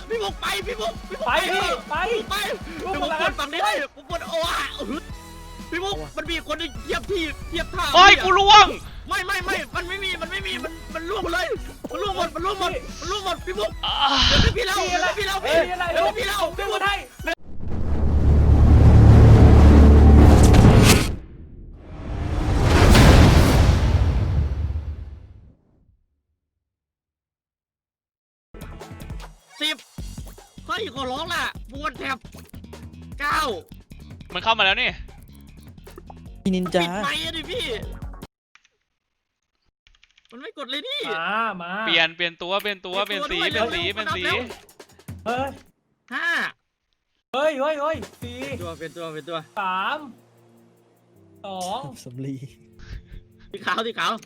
พี่บุกไปพี่บุกไปพี่ไปไปพี่บุกกดฝั่งนี้ผมกดโอ้พี่บุกมันมีคนที่เทียบท่าโอ้ยกูล่วงไม่มันไม่มีมันล่วงหมดเลยมันล่วงหมดพี่บุกเดี๋ยวพี่เล่าเดี๋ยวพี่เล่าพี่บุกให้10เฮ้ยขอร้องล่ะบวนแถบ9 มันเข้ามาแล้วนี่พี่นินปิจาดไมค์ดิพี่มันไม่กดเลยนี่มาเปลี่ยนตัวเปลี่ยนสีเฮ้ย 5 เฮ้ย4 ตัวเป็นตัว 3 2 สำลีสีขาว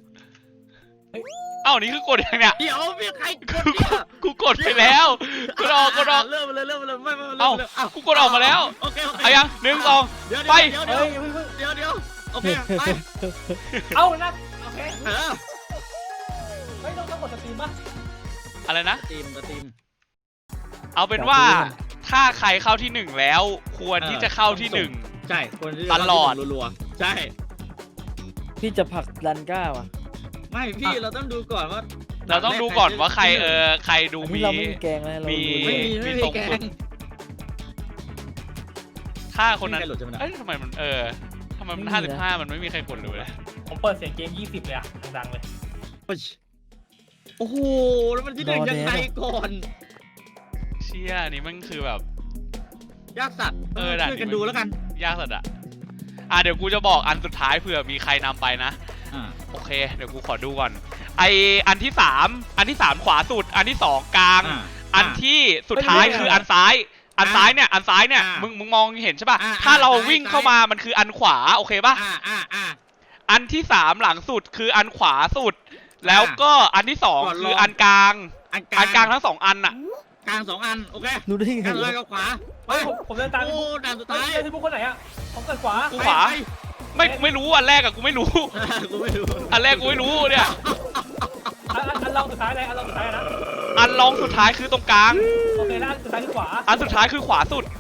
เอ้านี่คือกดยังเนี่ยเดี๋ยวพี่ใครกดเนี่ยกูกดไปแล้วกดออกเริ่มเลยไม่เอ้ากูกดออกมาแล้วโอเคเอายัง1 2ไปเดี๋ยวโอเคไปเอานะโอเคเไม่ต้องกดสตรีมป่ะอะไรนะทีมเอาเป็นว่าถ้าใครเข้าที่1แล้วควรที่จะเข้าที่1 ใช่คนที่ตลอดรัวๆใช่พี่จะผลักดันก้าวอ่ะไม่พี่เราต้องดูก่อนว่าเราต้องดูก่อนว่าใครใครดูอันมีนี้เราไม่มีแกงแล้วเรามีดูไม่มีทรงแกสุดงถ้าคนนั้นไม่มีใครหลุดใช่ไหมนะเอ้ยทำไมมันทำไมมัน55มันไม่มีใครกดเลยผมเปิดเสียงเกม20เลยอะดังๆเลยโอ้โหแล้วมันที่1ยังไงก่อนเชี่ยนี่มันคือแบบยากสัตว์ด่านช่วยกันดูแล้วกันยากสุดอะเดี๋ยวกูจะบอกอันสุดท้ายเผื่อมีใครนำไปนะโอเคเดี๋ยวกูขอดูก่อนอันที่3ขวาสุดอันที่2กลางอันที่สุดท้ายคืออันซ้ายเนี่ยมึงมองเห็นใช่ป่ะถ้าเราวิ่งเข้ามามันคืออันขวาโอเคป่ะอันที่3หลังสุดคืออันขวาสุดแล้วก็อันที่2คืออันกลางทั้ง2อันน่ะกลาง2อันโอเคดูได้ไงกลางเลยกับขวาเฮ้ยผมเดินตามโอ้ด่านสุดท้ายที่พวกคนไหนอะผมเกิดขวากูขวาไม่รู้อันแรกอะกูไม่รู้กูไม่รู้อันแรกกูไม่รู้เนี่ยอันลองสุดท้ายเลยอันลองสุดท้ายนะอันรองสุดท้ายคือตรงกลางโอเคแล้วอันสุดท้ายคือขวาอันสุดท้ายคือขวาสุด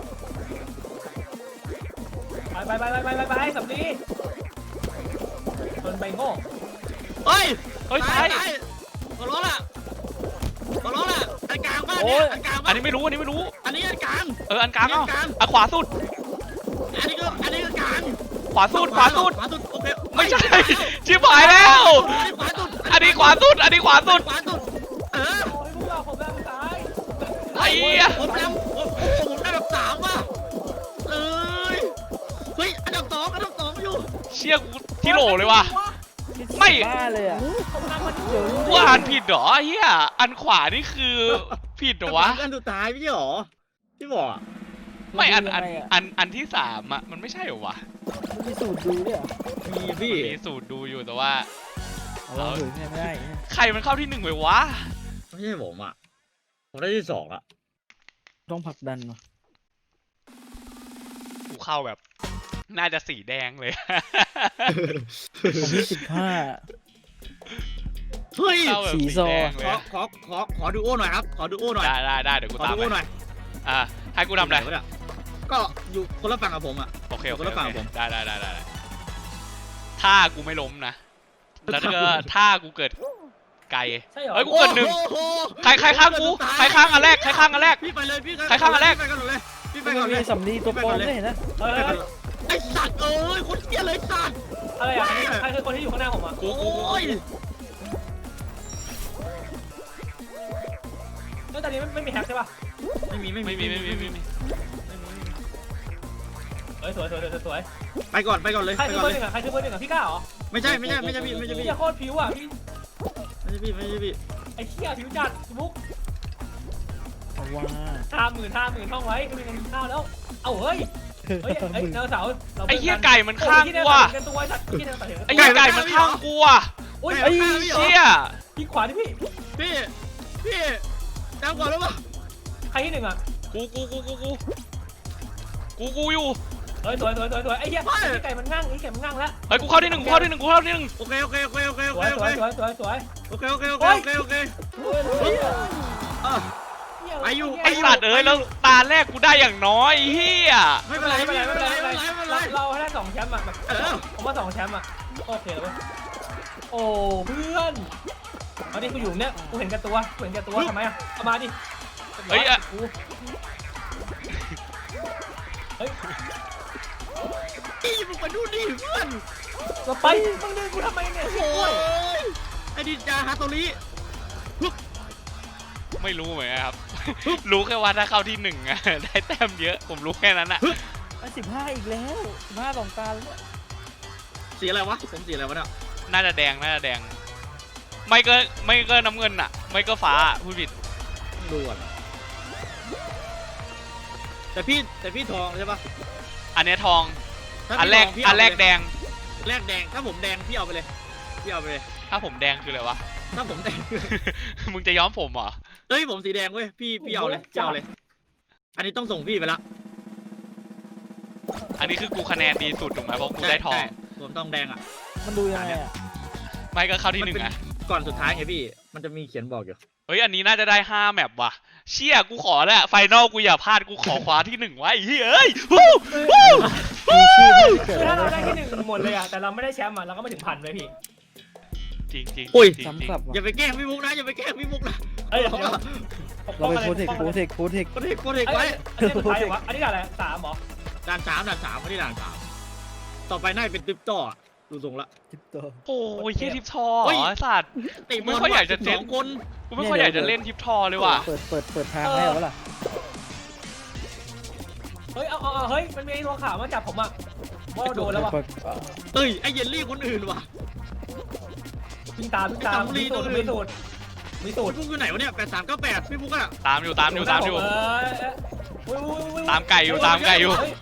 ไปสำลีโดนใบโง่เฮ้ยใช่ขอร้องล่ะอันกลางบ้านเนี่ยอันกลางอันนี้ไม่รู้อันนี้อันกลางอันกลางเอ้าอันขวาสุดอันนี้ก็กลางขวาสุดโอเคไม่ใช่ชิบหายแล้ว อันนี้ขวาสุดเออโอ้ยพวกเราผมได้สุดท้ายไอ้เหี้ยผมได้แบบ3ว่ะเฮ้ยอันดับ2อยู่เชี่ยกูที่โหลเลยว่ะ ไม่บ้าเลยอ่ะกูอ่านผิดเหรอเฮียอันขวานี่คือผิดเหรอวะอันสุดท้ายไม่ใช่หรอที่บอกไม่อันที่3อะมันไม่ใช่เหรอวะมันมีสูตรดูด้วยเหรอมีพี่มีสูตรดูอยู่แต่ว่าเราเผยแพร่ไม่ได้ใครมันเข้าที่1ไปวะไม่ใช่ผมอ่ะผมได้ที่2อ่ะต้องผลักดันว่ะกูเข้าแบบ น่าจะสีแดงเลยผมที่เฮ้ยเข้าแบบสีแดงเลยขอดูโอ้หน่อยครับขอดูโอ้หน่อยได้เดี๋ยวกูขอตามดูไปโอ้หน่อยให้กูทำอะไรก็อยู่คนละฝั่งกับผมอ่ะโอเคคนละฝั่งกับผมได้ถ้ากูไม่ล้มนะแล้วก็ถ้ากูเกิดไกลใช่เหรอเฮ้ยกูเกิด1ใครข้างกูใครข้างอันแรกพี่ไปเลยพี่ใครข้างอันแรกพี่ไปก่อนเลยพี่ไปมันก่อนเลมียสำลีตัวปลอมด้วยเห็นนะไอ้สัตว์เอ้ยคนเกลียดเลยสัตว์อะไรอ่ะใครคือคนที่อยู่ข้างหน้าผมอ่ะกูโอ้ยแล้วตอนนี้ไม่มีแฮกใช่ป่ะไม่มีเฮ้ยสวยไปก่อนเลยใครคือเบอร์ 1อ่ะใครคือเบอร์ 1อ่ะพี่ก้าเหรอไม่ใช่พี่พี่โคตรผิวอ่ะพี่ไม่ใช่พี่ไอ้เหี้ยผิวจัดมุกเอาว่า 50,000ท่องไว้ก็มีเงินกินข้าวแล้ว เอาเฮ้ยเจ้าสาวไอ้เหี้ยไก่มันข้างกูว่ะไอ้เหี้ยไก่มันข้างกูว่ะโอ้ยไอ้เหี้ยพี่ขวาดิพี่พี่จำก่อนแล้วป่ะใครที่1อ่ะกูอยู่เฮ้ยสวยไอ้เหี้ยไก่มันงั่งแล้วเฮ้ยกูเข้าที่1 โอเคสวยโอเคไอ้อยู่ไอ้สัตว์เอ้ยแล้วตาแรกกูได้อย่างน้อยเฮียไม่เป็นไรไม่เป็นไรไม่เป็นไรไม่เป็นไรเราให้ได้2 แชมป์อะแบบผมว่า2 แชมป์อะโอเคแล้วเว้ยโอ้เพื่อนเอาดิกูอยู่เนี่ยกูเห็นแก่ตัวทำไมอะเอามาดิเฮ้ยอะนี่มึงมาดูดิเพื่อนเราไปมึงดึงกูทำไมเนี่ยโอ้ยไอ้ดิจาฮาโตริไม่รู้เหมือนกันครับ รู้แค่ว่าถ้าเข้าที่1อะ ได้แต้มเยอะผมรู้แค่นั้นอะ 15อีกแล้ว15 2 ตาแล้วสีอะไรวะผมสีอะไรวะเนี่ยน่าจะแดงไม่ก็น้ำเงินอะไม่ก็ฟ้าพูดผิดดูก่อนแต่พี่ทองใช่ปะอันเนี้ยทองถ้าอันพี่แรกทงพี่อันแรกเาไปแดเลยงแรกแดงถ้าผมแดงพี่เอาไปเลยพี่เอาไปเลยถ้าผมแดงคืออะไรวะถ้าผมแดงมึงจะย้อมผมเหรอเฮ้ยผมสีแดงเว้ยพี่เอาเลยพี่เอาเลย อันนี้ต้องส่งพี่ไปละอันนี้คือกูคะแนนดีสุดถูกไหมเพราะกูได้ทองใช่ผมต้องแดงอ่ะมันดูยังไงอ่ะไม่ก็เข้าที่1อะก่อนสุดท้ายไงพี่มันจะมีเขียนบอกอยู่เฮ้ยอันนี้น่าจะได้5แมปว่ะเชี่ยกูขอแหละไฟนอลกูอย่าพลาดกูขอคว้าที่1ไว้ไอ้เฮ้ยเอ้ยวู้วู้มีชื่อไม่เกิดคือถ้าเราได้เลยที่1หมดเลยอะแต่เราไม่ได้แชมป์อะเราก็ไม่ถึง1,000เลยพี่จริงจริงอุ้ยจริงซ้ำกลับอย่าว่ะไปแกล้งพี่มุกนะอย่าไปแกล้งพี่มุกนะเอ้ยเดี๋ยวเราไปโปรเทคโคตรเอกไว้อันนี้สุดท้ายวะอันนี้อะไร3เหรอด่านสามไม่ได้ด่านสามต่อไปน่าจะเป็นติ๊บต่อดูทรงละจิ๊บตัวโอ้ยเฮียทิปทอเฮ้ยไอ้สัตว์ติไม่ค่อยอยากจะเจ็บ 2 คนกูไม่ค่อยอยากจะเล่นทิปทอเลยว่ะเปิดทางให้แล้วล่ะเฮ้ยเอาเฮ้ยมันมีไอ้ตัวขาวมาจับผมอะว่าโดนแล้ววะเอ้ยไอเยลลี่คนอื่นว่ะวิ่งตามมีสูตรพี่มุกอยู่ไหนวะเนี่ย8398พี่มุกอะตามอยู่ตามไก่อยู่มีคน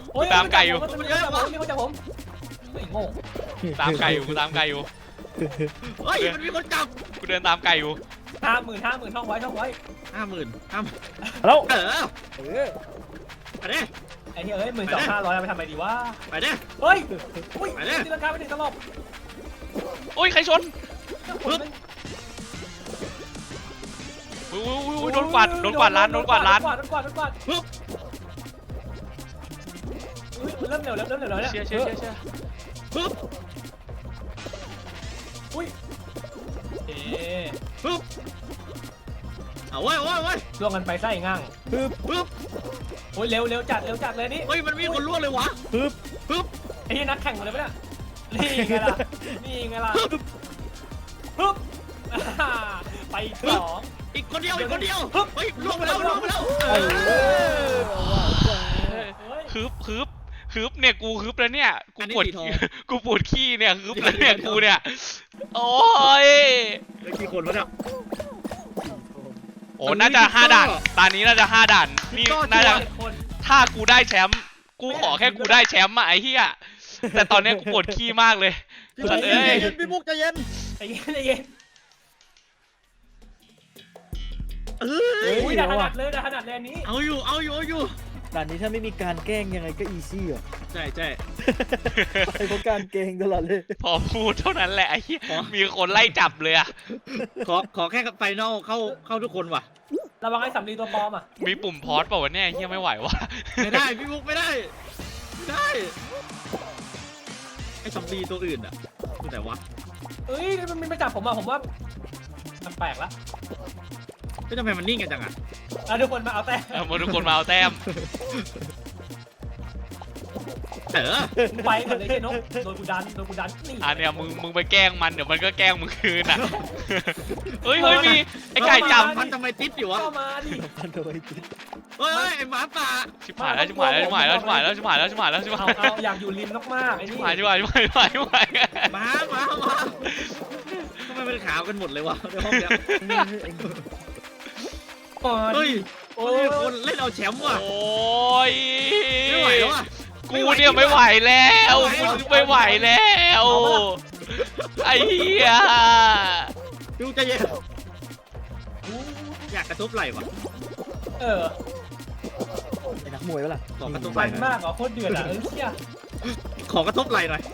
จับผมไอ้โง่ตามไก่อยู่กูตามไก่อยู่เฮ้ยมันมีคนจับกูเดินตามไก่อยู่ 50,000ท่องไว้ 50,000 แล้วเออเออไปเด้ไอ้เหี้ยเอ้ย12,500เอาไปทำอะไรดีวะไปเด้เฮ้ยอุ้ยตีลังกาไปถึงตลบโอ้ยใครชนอุ้ยโดนกวาดร้านปึ๊บเริ่มเหลวแล้วเนี่ยเชี่ยปึ๊บอุ้ยเอ๊ะปึ๊บเอาไว้ล่วงกันไปไส้ง่างปึ๊บโอ้ยเร็วจัดเลยนี่เฮ้ยมันมีคนล่วงเลยวะปึ๊บไอ้ที่นักแข่งหมดเลยปะเนี่ยนี่ไงล่ะปึ๊บไป2 อีกคนเดียวเฮ้ยล่วงไปแล้วฮึบเนี่ยกูฮึบแล้วเนี่ยกูปวดขี้เนี่ยฮึบแล้วเนี่ยกูเนี่ยโอ้ยแล้วกี่คนวะเนี่ยโอ้น่าจะ5ด่านตอนนี้น่าจะ5ด่านนี่น่าจะคนถ้ากูได้แชมป์กูขอแค่กูได้แชมป์อะไอ้เหี้ยแต่ตอนนี้กูปวดขี้มากเลยพี่มุกใจเย็นไอ้เย็นอุ้ยด่าถนัดเลยอันนี้เอาอยู่ด่านนี้ถ้าไม่มีการแกล้งยังไงก็อีซี่อ่ะใช่ไอ้พวกการแกล้งตลอดเลยพอพูดเท่านั้นแหละไอ้เหี้ยมีคนไล่จับเลยอะขอแค่ไฟนอลเข้าทุกคนว่ะระวังไอ้สำลีตัวปลอมอ่ะมีปุ่มพอสเปล่าวะเนี่ยไอ้เหี้ยไม่ไหววะไม่ได้พี่มุกไม่ได้ไอ้ซอมบี้ตัวอื่นอ่ะคือแต่วะเอ้ยมันไม่จับผมอ่ะผมว่ามันแปลกละไม่ทำไมมันนิ่งกันจังอ่ะทุกคนมาเอาแต่มาทุกคนมาเอาแต้มไปก่อนเลยเช่นนกโดนกูดันนี่อันเนี้ยมึงไปแกล้งมันเดี๋ยวมันก็แกล้งมึงคืนอ่ะ เฮ้ยมีไอ้ไก่จับมันทำไมติดอยู่วะเข้ามาดิโดยจิตเฮ้ยไอ้หมาป่าชิบหายแล้วเอาอยากอยู่ริมมากไอ้นี่ชิบหายหมาทำไมเป็นขาวกันหมดเลยวะในห้องเนี้ยเฮ้ยคนเล่นเอาแชมป์ว่ะโอ้ยไม่ไหวแล้วอ่ะกูเนี่ยไม่ไหวแล้วไม่ไหวแล้วไอ้เหี้ยดูใจเย็นอยากกระทบไหล่ว่ะไอ้นักมวยปะล่ะขอกระทบไหฟัล่นหน่มาอยกเหรอโคตรเดือดอ่ะเชี่ยขอกระทบไหล่หน่อย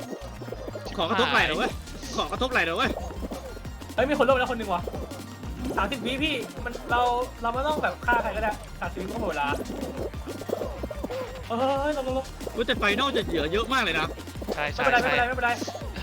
ขอกระทบไหล่หน่อยเว้ยเฮ้ยมีคนลงแล้วคนนึงวะ 30 วิพี่มันเราไม่ต้องแบบฆ่าใครก็ได้30 วิก็หมดเวลาลงกูแต่ไฟนอลจะเหลือเยอะมากเลยนะใช่ไม่ใช่เป็นไรใช่ไม่เป็นไร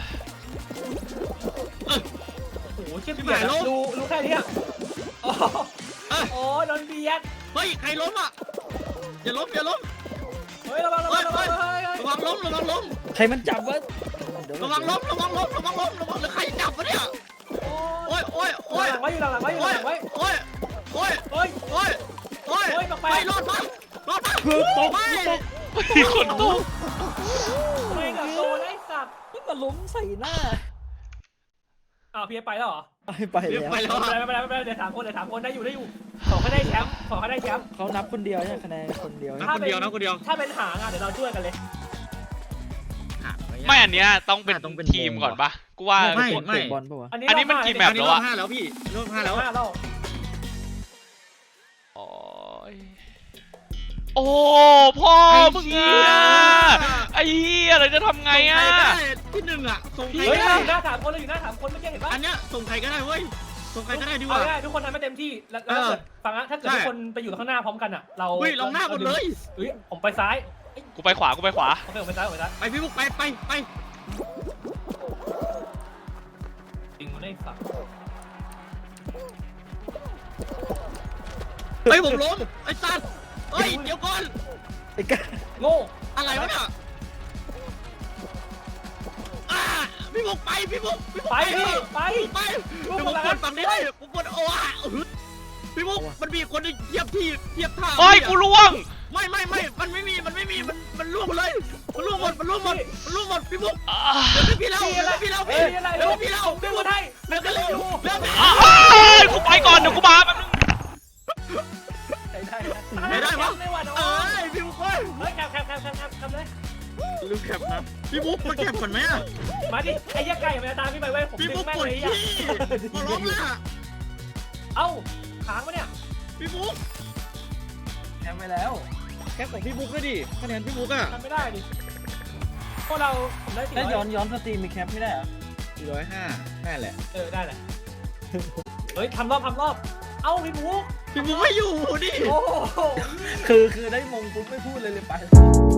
โอ้โหเชี่ยเบียดรู้แค่นี้โอ้โดนเบียดเฮ้ยใครล้มอ่ะอย่าล้มเฮ้ยระวังระวังล้มใครมันจับวะระวังล้มหรือใครจับวะเนี่ยโอ้ยหลังไว้อยู่หลังไว้อยู่หลังไว้โอ้ย ไม่รอดปะคือตกมีคนตกไม่กับโดนไอ้สัตว์มันมาล้มใส่หน้าอ้าวพี่ไปแล้วเหรอไปแล้วไปแล้วไม่เป็นไรเดี๋ยว3 คนได้อยู่ขอให้ได้แชมป์เขานับคนเดียวใช่คะแนนคนเดียวคนเดียวถ้าเป็นหางอ่ะเดี๋ยวเราช่วยกันเลยไม่อันเนี้ยต้องเป็นทีมก่อนปะกูว่าไม่เตะบอลปะวะอันนี้มันกี่แมอัปนนี้รอบ5แล้วพี่รอบ5แล้วโอ้ยโอ้พ่อมึงอ่ะไอ้เหี้ยเราจะทำไงอ่ะที่หนึ่งอ่ะส่งใครเฮ้ยก็ได้หน้า3 คนเราอยู่หน้า3 คนไม่ใช่เห็นปะอันเนี้ยส่งใครก็ได้เว้ยส่งใครก็ได้ดีกเอาว่าง่ายทุกคนทำให้เต็มที่แล้วถ้าเกิดฟังนะถ้าเกิดทุกคนไปอยู่ข้างหน้าพร้อมกันอ่ะเราเฮ้ยลงหน้าหมดเลยเฮ้ยผมไปซ้ายกูไปขวาโอเคผมไปซ้ายไปพี่บุ๊กไปจริงได้สัตว์ไปผมล้มไอ้สัตว์เฮ้ยเดี๋ยวก่อนไอ้กาโง่อะไรวะเนี่ยพี่บุ๊กไปพี่บุ๊กไปพี่ไปไปเดี๋ยวผมกดฝั่งนี้ได้ผมกดโอ้พี่บุ๊กมันมีคนเทียบท่าโอ้ยกูล่วงไม่มันไม่มีมันล่วงหมดเลยมันล่วงหมดพี่บุ๊กอ่าเดี๋ยวพี่เราพี่ดึงมาให้เดี๋ยวก็เลยกูไปก่อนเดี๋ยวกูมาแป๊บนึงไม่ได้วะไม่ไหวเอ้ยพี่บุ๊กเฮ้ยเฮ้ยแคปเลยลืมแคปนะพี่บุ๊กมาแคปก่อนไหมอ่ะมาดิไอ้ยักษ์ไก่มันจะตามพี่ไปเว้ยผมพี่ดึบุ๊งกแม่งปวดเลยขี้ขอร้องละเอ้าค้างปะเนี่ยพี่บุ๊กแคปไปแล้วแคปของพี่บุ๊กด้วยดิคะแนนพี่บุ๊กอ่ะทำไม่ได้ดิพวกเราผมได้ถ้า 400 ย้อนสตรีมมีแคปไม่ได้เหรอ 405นั่นแหละได้แหละเฮ้ยทำรอบเอ้าพี่บุ๊กพี่บุ๊กไม่อยู่ดิโอ้โหคือได้มงปุ๊บไม่พูดเลยไป